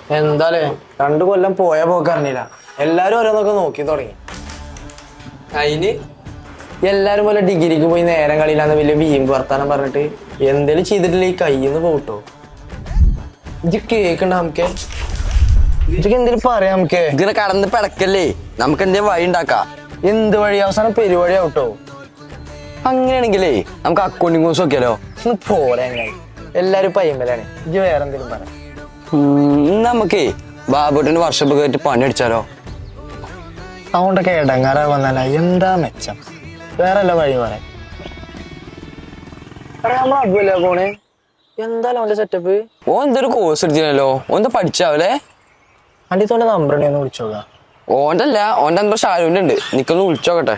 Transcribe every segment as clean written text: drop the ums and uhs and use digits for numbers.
എന്താലേ 2 കൊല്ലം പോയ പോക്കറിഞ്ഞില്ല. എല്ലാരും ഓരോന്നൊക്കെ നോക്കി തുടങ്ങി. അതിന് എല്ലാരും പോലെ ഡിഗ്രിക്ക് പോയി നേരം കളിയില്ലാന്ന് വലിയ വീമ്പ് വർത്താനം പറഞ്ഞിട്ട് എന്തേലും ചെയ്തിട്ടില്ല ഈ കയ്യിന്ന് പോട്ടോ. ഇത് കേക്കണ്ട നമുക്ക് ഇതൊക്കെ എന്തേലും പറയാം. നമുക്ക് ഇങ്ങനെ കടന്ന് പിടക്കല്ലേ, നമുക്ക് എന്തേലും വഴി ഉണ്ടാക്കാം. എന്ത് വഴി? അവസാനം പെരുവഴി ആവട്ടോ. അങ്ങനെയാണെങ്കിലേ നമുക്ക് അക്കൗണ്ടിങ് കോഴ്സ് നോക്കിയാലോ? ഒന്ന് പോരാ. എല്ലാരും പയ്യമ്പലാണ്. ഇത് വേറെ എന്തേലും പറയാം. നമുക്കേ ബാബുട്ടിന്റെ വർഷപ്പ് കയറ്റി പണി അടിച്ചാലോ? അതുകൊണ്ടൊക്കെ ഇടങ്ങാറാവുന്നല്ല. എന്താ മെച്ചം? വേറെല്ല വഴി പറയാം. നമ്മൾ അതുവല്ലേ പോണേ. എന്തായാലും അവന്റെ സെറ്റപ്പ്. ഓ എന്തൊരു കോഴ്സ് എടുത്തില്ലല്ലോ, ഓന്താ പഠിച്ചാവല്ലേ? അണ്ടിത്തോന്റെ നമ്പർ ഒന്ന് വിളിച്ചോക്കാം. ഓന്റെ അല്ല, ഓന്റെ നമ്പർ ഷാരൂന്റെ ഉണ്ട്. നിക്കൊന്ന് വിളിച്ചോക്കട്ടെ.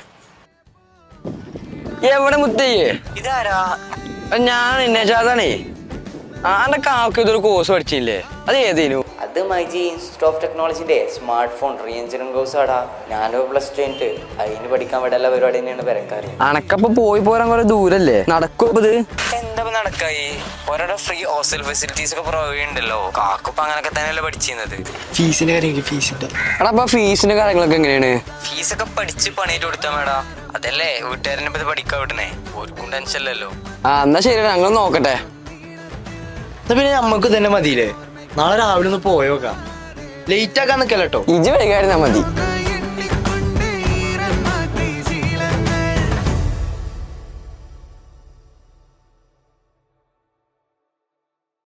എവിടെ മുത്തയ്യേ? ഇതാരാ? ഞാൻ ഇന്നേച്ചാതാണേ. ആന്റെ കാക്ക് ഇതൊരു കോഴ്സ് പഠിച്ചില്ലേ, അത് ഏതേനു? അത് മൈജി ഇൻസ്റ്റിറ്റ്യൂട്ട് ഓഫ് ടെക്നോളജിന്റെ smart phone re engineering course ആടാ. ഞാനോ +2 കഴിഞ്ഞിട്ട് അതിന് പഠിക്കാൻ വിടല്ല പരിപാടി തന്നെയാണ് പെരക്കാറ്. അനക്കപ്പൊ പോയി പോരാൻ കുറെ ദൂരല്ലേ, നടക്കും ഇത്? എന്താ നടക്കായി? ഓരോരോ ഫ്രീ ഹോസ്റ്റൽ ഫെസിലിറ്റീസ് ഒക്കെ പ്രൊവൈഡ് ഉണ്ടല്ലോ. കാക്കുപ്പ അങ്ങനൊക്കെ തന്നെയല്ലേ പഠിച്ചിരുന്നത്. ഫീസിന്റെ കാര്യം ഫീസിന്റെ എടാ അപ്പൊ ഫീസിന്റെ കാര്യങ്ങളൊക്കെ എങ്ങനെയാണ്? ഫീസൊക്കെ പഠിച്ച് പണിയിട്ട് കൊടുത്താ മേടാ. അതല്ലേ വീട്ടുകാരനെ പറ്റി പഠിക്കാൻ വിടണേ, ഒരുക്കും ടെൻഷൻ ഇല്ലല്ലോ. എന്നാ ശരി, ഞങ്ങൾ നോക്കട്ടെ. പിന്നെ നമ്മക്ക് തന്നെ മതിയില്ലേ? നാളെ രാവിലെ ഒന്ന് പോയോക്കാം. ലേറ്റ് ആക്കാൻ നിക്കല്ലോ. ഇജ് വൈകായിരുന്നാ മതി.